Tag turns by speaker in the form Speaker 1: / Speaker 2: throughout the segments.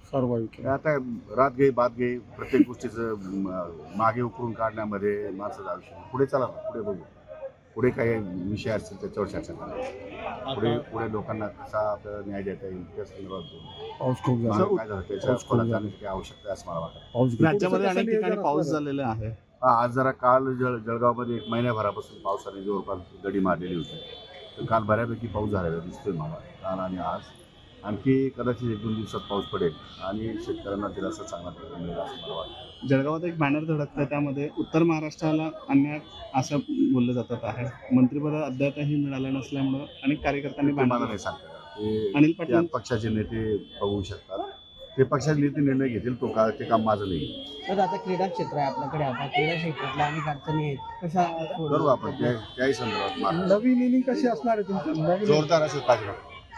Speaker 1: सर्वांविक
Speaker 2: आता रात गई बात गई प्रत्येक गोष्टीचं मागे उकरून काढण्यामध्ये माणसाचं आयुष्य पुढे चला ना, पुढे बघू. पुढे काही विषय असतील त्याच्यावर चर्चा करा. पुढे लोकांना कसा आपल्याला न्याय देता येईल त्या संदर्भात बोलू.
Speaker 1: पाऊस खूप झाला.
Speaker 2: मागे काय झालं त्याच्या
Speaker 1: पाऊस खूप
Speaker 2: खोलात
Speaker 1: झाला.
Speaker 2: जाण्याची काही आवश्यकता आहे असं मला वाटतं.
Speaker 1: पाऊस
Speaker 3: राज्यामध्ये अनेक ठिकाणी पाऊस झालेला आहे.
Speaker 2: आज जरा काल जळगावमध्ये 1 महिन्याभरापासून पावसाने जवळपास दडी मारलेली होती. तर काल बऱ्यापैकी पाऊस झालेला दिसतोय मला, काल आणि आज. आणखी कदाचित 1-2 दिवसात पाऊस पडेल आणि शेतकऱ्यांना दिलासा चांगला मिळेल असं मला वाटतं.
Speaker 3: जळगावात एक बॅनर धडकतं, त्यामध्ये उत्तर महाराष्ट्राला अन्याय असं बोललं जातात आहे. मंत्रिपद अद्यापही मिळालं नसल्यामुळं अनेक कार्यकर्त्यांनी
Speaker 2: ते मला
Speaker 3: बॅनर
Speaker 2: नाही सांगता येणार.
Speaker 3: अनिल
Speaker 2: ते
Speaker 3: पाटील
Speaker 2: त्या पक्षाचे नेते बघू शकतात. ते पक्षाचे नेते निर्णय घेतील, ते काम माझं नाही.
Speaker 4: तर आता क्रीडा क्षेत्र आहे आपल्याकडे, आता क्रीडा क्षेत्रातल्या अनेक अडचणी आहेत, कशा
Speaker 2: करू आपण त्याही संदर्भात मार्ग.
Speaker 1: नवीन इनिंग कशी असणार आहे तुमची नवीन
Speaker 2: जोरदार असेल पाहिजे.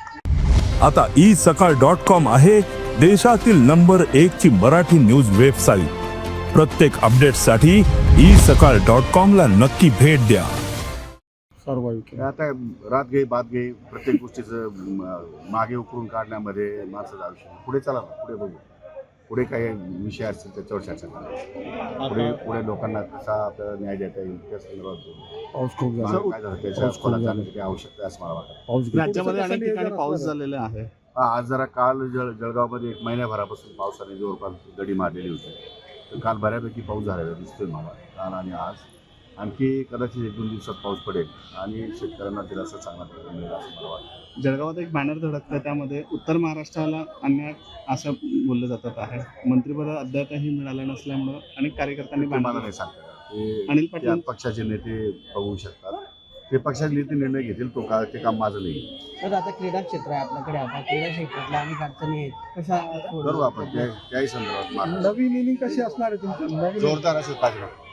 Speaker 5: आता isakal.com आहे देशातील नंबर 1 ची मराठी न्यूज वेबसाईट. प्रत्येक अपडेटसाठी isakal.com ला नक्की भेट द्या.
Speaker 1: सर्वांविक
Speaker 2: आता रात गई बात गई प्रत्येक गोष्टीचं मागे उकरून काढण्यामध्ये माणसाचं आयुष्य पुढे चला ना, पुढे बघू. पुढे काही विषय असतील त्याच्यावर चर्चा करा. पुढे लोकांना कसा आपल्याला न्याय देता येईल त्या संदर्भात बोलू.
Speaker 1: पाऊस खूप झाला.
Speaker 2: मागे काय झालं त्याच्या
Speaker 1: पाऊस खूप
Speaker 2: खोलात
Speaker 1: झाला.
Speaker 2: जाण्याची काही आवश्यकता आहे असं मला वाटतं.
Speaker 1: पाऊस
Speaker 3: राज्यामध्ये अनेक ठिकाणी पाऊस झालेला आहे.
Speaker 2: आज जरा काल जळगावमध्ये 1 महिन्याभरापासून पावसाने जवळपास दडी मारलेली होती. तर काल बऱ्यापैकी पाऊस झालेला दिसतोय मला, काल आणि आज. आणखी कदाचित 1-2 दिवसात पाऊस पडेल आणि शेतकऱ्यांना दिलासा चांगला मिळेल असं मला वाटतं.
Speaker 3: जळगावात एक बॅनर धडकतं, त्यामध्ये उत्तर महाराष्ट्राला अन्याय असं बोललं जातात आहे. मंत्रिपद अद्यापही मिळालं नसल्यामुळं अनेक कार्यकर्त्यांनी
Speaker 2: ते मला
Speaker 3: बॅनर
Speaker 2: नाही सांगता येणार.
Speaker 3: अनिल
Speaker 2: ते
Speaker 3: पाटील
Speaker 2: त्या पक्षाचे नेते बघू शकतात. ते पक्षाचे नेते निर्णय घेतील, ते काम माझं नाही.
Speaker 4: तर आता क्रीडा क्षेत्र आहे आपल्याकडे, आता क्रीडा क्षेत्रातल्या अनेक अडचणी आहेत, कशा
Speaker 2: करू आपण त्याही संदर्भात मार्ग.
Speaker 1: नवीन इनिंग कशी असणार आहे तुमची नवीन
Speaker 2: जोरदार असेल पाहिजे.